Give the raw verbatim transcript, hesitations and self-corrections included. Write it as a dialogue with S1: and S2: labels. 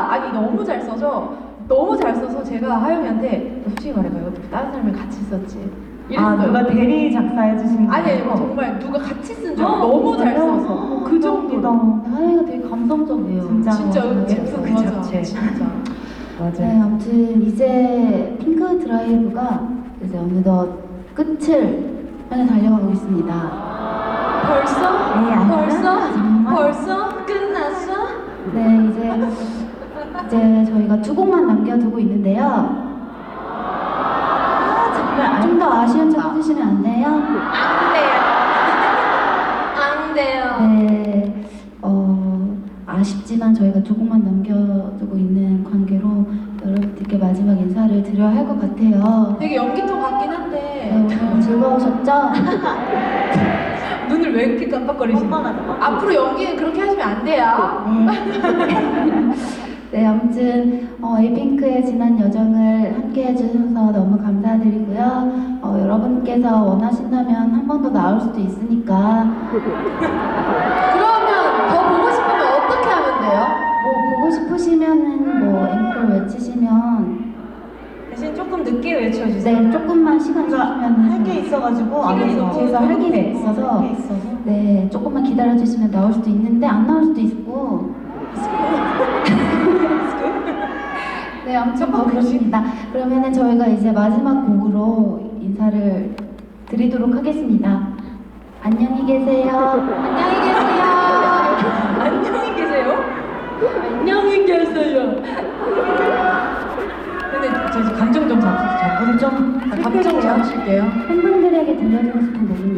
S1: 가사가 아니 너무 잘 써서 너무 잘 써서 제가 하영이한테 너 솔직히 말해봐요. 다른 사람이 같이 썼지. 이랬어요.
S2: 아, 누가 대리 작사해 주신 거?
S1: 아니 아니 정말 누가 같이 쓴 줄
S2: 어,
S1: 너무 잘
S2: 정말요?
S1: 써서
S2: 어,
S1: 그 정도로.
S2: 감사합니다.
S3: 하영이가 되게 감성적이에요.
S2: 진짜.
S1: 진짜 음치
S2: 예쁘 그
S1: 맞아,
S2: 자체.
S1: 진짜.
S2: 맞아요.
S3: 네, 아무튼 이제 핑크 드라이브가 이제 어느덧 끝을 향해 달려가고 있습니다.
S1: 벌써?
S2: 네, 아니야.
S1: 벌써?
S2: 정말.
S1: 벌써? 끝났어?
S3: 네, 이제 이제 저희가 두 곡만 남겨두고 있는데요.
S2: 아, 정말
S3: 좀 더 아쉬운 척 해주시면 안 돼요?
S1: 안 돼요. 안 돼요.
S3: 네, 어, 아쉽지만 저희가 두 곡만 남겨두고 있는 관계로 여러분들께 마지막 인사를 드려야 할 것 같아요.
S1: 되게 연기통 같긴
S3: 네,
S1: 한데
S3: 오늘 즐거우셨죠?
S1: 눈을 왜 이렇게 깜빡거리시는
S2: 뻔뻔하다,
S1: 거예요?
S2: 뻔뻔하다.
S1: 앞으로 연기는 그렇게 하시면 안 돼요.
S3: 네. 네, 아무튼 어, 에이핑크의 지난 여정을 함께 해주셔서 너무 감사드리고요. 어, 여러분께서 원하신다면 한 번 더 나올 수도 있으니까
S1: 그러면 더 보고 싶으면 어떻게 하면 돼요?
S3: 뭐 보고 싶으시면은 뭐 앵콜 외치시면
S2: 대신 조금 늦게 외쳐주세요.
S3: 네, 조금만 시간 주시면은
S2: 할 게 있어가지고
S1: 시간이
S2: 안에서
S1: 너무
S3: 뒤에서 할 게
S2: 급해.
S3: 있어서
S2: 할 게 있어서.
S3: 네, 조금만 기다려주시면 나올 수도 있는데 안 나올 수도 있고 네, 아무튼 뭐 그렇습니다. 그러면은 저희가 이제 마지막 곡으로 인사를 드리도록 하겠습니다. 안녕히 계세요.
S1: 안녕히 계세요.
S2: 안녕히 계세요.
S1: 안녕히 계세요. 근데 저 이제 감정 좀 잡, 잡고 좀 아, 감정 잡으실게요.
S3: 팬분들에게 들려주고 싶은 곡입니다.